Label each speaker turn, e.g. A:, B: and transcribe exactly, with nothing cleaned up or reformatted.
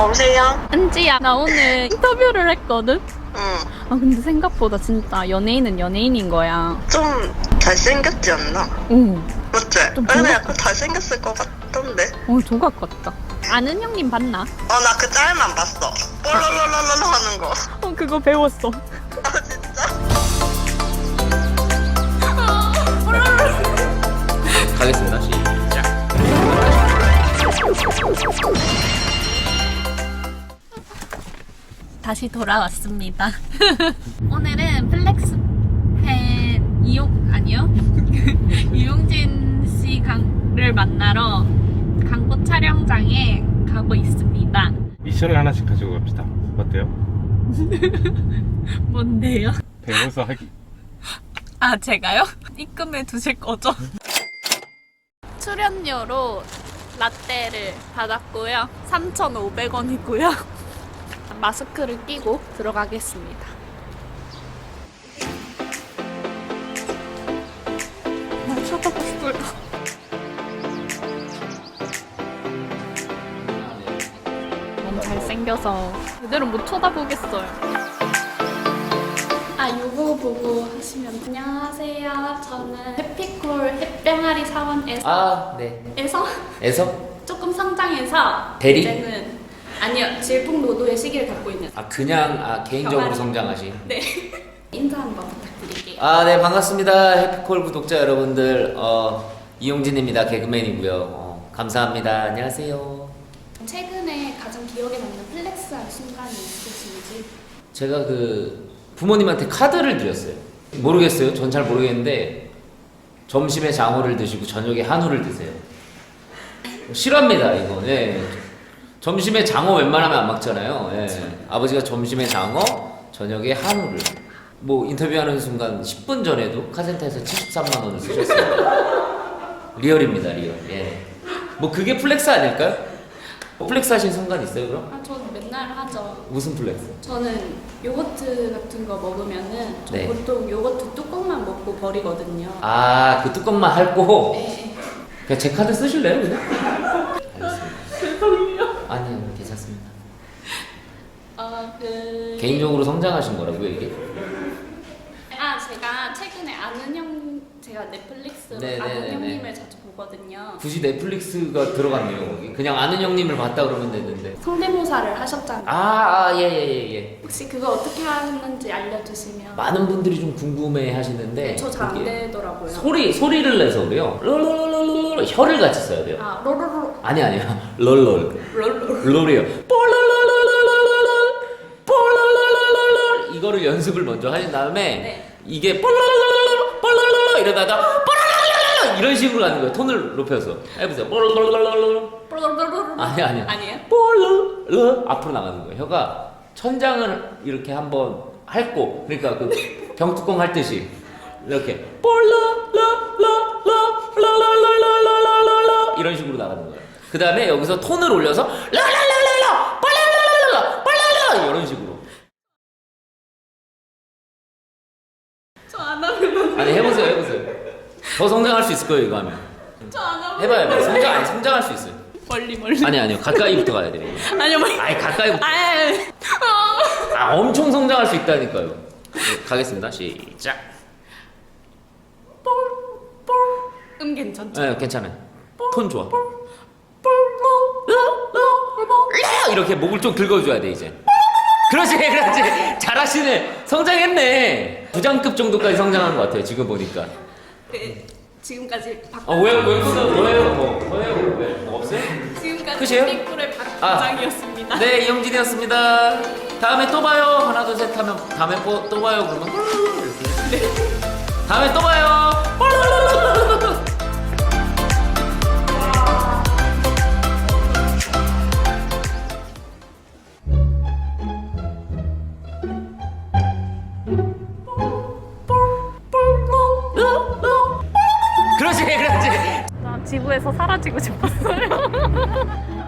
A: 여보세요?
B: 은지야, 나 오늘 인터뷰를 했거든?
A: 응.
B: 아, 근데 생각보다 진짜 연예인은 연예인인 거야.
A: 좀 잘생겼지 않나?
B: 응.
A: 맞지?
B: 좀
A: 근데
B: 조각-
A: 약간 잘생겼을 것 같던데?
B: 어, 조각 같다. 아는 형님 봤나?
A: 어, 나 그 짤만 봤어. 뽀로로로로로 하는 거.
B: 어, 그거 배웠어.
A: 아, 진짜?
C: 가겠습니다. 시작.
B: 다시 돌아왔습니다. 오늘은 플렉스팬 이용, 아니요? 이용진 씨를 만나러 광고 촬영장에 가고 있습니다.
D: 미션을 하나씩 가지고 갑시다. 어때요?
B: 뭔데요?
D: 배워서 하기.
B: 아, 제가요? 입금해 두실 거죠? 출연료로 라떼를 받았고요. 삼천오백 원이고요. 마스크를 끼고 들어가겠습니다. 아, 쳐다봤어요. 너무 잘생겨서 제대로 못 쳐다보겠어요. 아, 요거 보고 하시면 안녕하세요. 저는 해피콜 햇병아리 사원에서
C: 아, 네.
B: 에서
C: 에서?
B: 조금 성장해서
C: 대리?
B: 이제는 아니요, 질풍노도의 시기를 갖고 있는.
C: 아, 그냥 아, 개인적으로
B: 병아리.
C: 성장하신.
B: 네. 인사 한번 부탁드릴게요.
C: 아, 네, 반갑습니다. 해피콜 구독자 여러분들. 어, 이용진입니다. 개그맨이고요. 어, 감사합니다. 안녕하세요.
B: 최근에 가장 기억에 남는 플렉스한 순간이 있으신지?
C: 제가 그 부모님한테 카드를 드렸어요. 모르겠어요. 전 잘 모르겠는데 점심에 장어를 드시고 저녁에 한우를 드세요. 싫어합니다, 이거. 예. 점심에 장어 웬만하면 안 먹잖아요. 예. 아버지가 점심에 장어, 저녁에 한우를. 뭐 인터뷰하는 순간 십 분 전에도 카센터에서 칠십삼만 원을 쓰셨어요. 리얼입니다, 리얼. 예. 뭐 그게 플렉스 아닐까요? 플렉스 하신 순간 있어요, 그럼?
B: 아, 저는 맨날 하죠.
C: 무슨 플렉스?
B: 저는 요거트 같은 거 먹으면은 저
C: 네.
B: 보통 요거트 뚜껑만 먹고 버리거든요.
C: 아, 그 뚜껑만 핥고
B: 네.
C: 그냥 제 카드 쓰실래요, 그냥? 알겠습니다.
B: 죄송해요.
C: 아니요, 괜찮습니다.
B: 어, 그
C: 개인적으로 성장하신 거라고요, 이게?
B: 아, 제가 최근에 아는 형, 제가 넷플릭스로
C: 네네네네.
B: 아는 형님을 자주 보거든요.
C: 굳이 넷플릭스가 들어갔네요, 거기. 그냥 아는 형님을 봤다 그러면 되는데.
B: 성대모사를 하셨잖아요.
C: 아, 아, 예, 예, 예, 예.
B: 혹시 그거 어떻게 하는지 알려주시면.
C: 많은 분들이 좀 궁금해 하시는데.
B: 네, 저 잘 안
C: 그게
B: 되더라고요.
C: 소리, 소리를 내서 그래요. 롤롤롤롤롤 혀를 같이 써야 돼요.
B: 아, 로로로
C: 아니, 아니야. 롤롤.
B: 롤롤.
C: 롤이요. 폴롤롤롤롤롤롤 폴롤롤롤롤롤 이거를 연습을 먼저 하신 다음에
B: 네.
C: 이게 폴롤롤롤롤 폴롤롤롤 이러다가 폴롤롤롤 이런 식으로 가는 거예요. 톤을 높여서 해보세요. 폴롤롤롤롤
B: 로로로로.
C: 아니 아니야.
B: 아니에요?
C: 폴롤롤 앞으로 나가는 거예요. 혀가 천장을 이렇게 한번 핥고 그러니까 그 병뚜껑 핥듯이 이렇게 폴롤롤롤롤롤롤롤롤 이런 식으로 나가는 거예요. 그 다음에 여기서 톤을 올려서 라라라라라 빨라라라라 빨라라 이런 식으로.
B: 저 안 하면.
C: 아니 해보세요 해보세요. 더 성장할 수 있을 거예요 이거 하면.
B: 저 안 하면.
C: 해봐요 해봐요. 성장 아니 성장할 수 있어요.
B: 멀리 멀리.
C: 아니 아니요 가까이부터 가야 돼요.
B: 아니요 멀리.
C: 아니 가까이부터.
B: 아.
C: 아 엄청 성장할 수 있다니까요. 네, 가겠습니다. 시작.
B: 음 괜찮죠?
C: 네 괜찮아요. 톤 좋아. 이렇게 목을 좀 긁어줘야 돼 이제. 그렇지 그렇지 잘하시네. 성장했네. 부장급 정도까지 성장한 것 같아요 지금 보니까.
B: 네, 지금까지 박.
C: 아 왜요 왜 그러세요? 뭐예요 뭐 뭐예요 왜 뭐 없어요?
B: 지금까지
C: 끝이에요?
B: 삐꾸의 박
C: 아.
B: 부장이었습니다.
C: 네 이용진이었습니다. 다음에 또 봐요. 하나 둘 셋 하면 다음에 또, 또 봐요 그러면. 네. 다음에 또 봐요.
B: 나 지구에서 사라지고 싶었어요.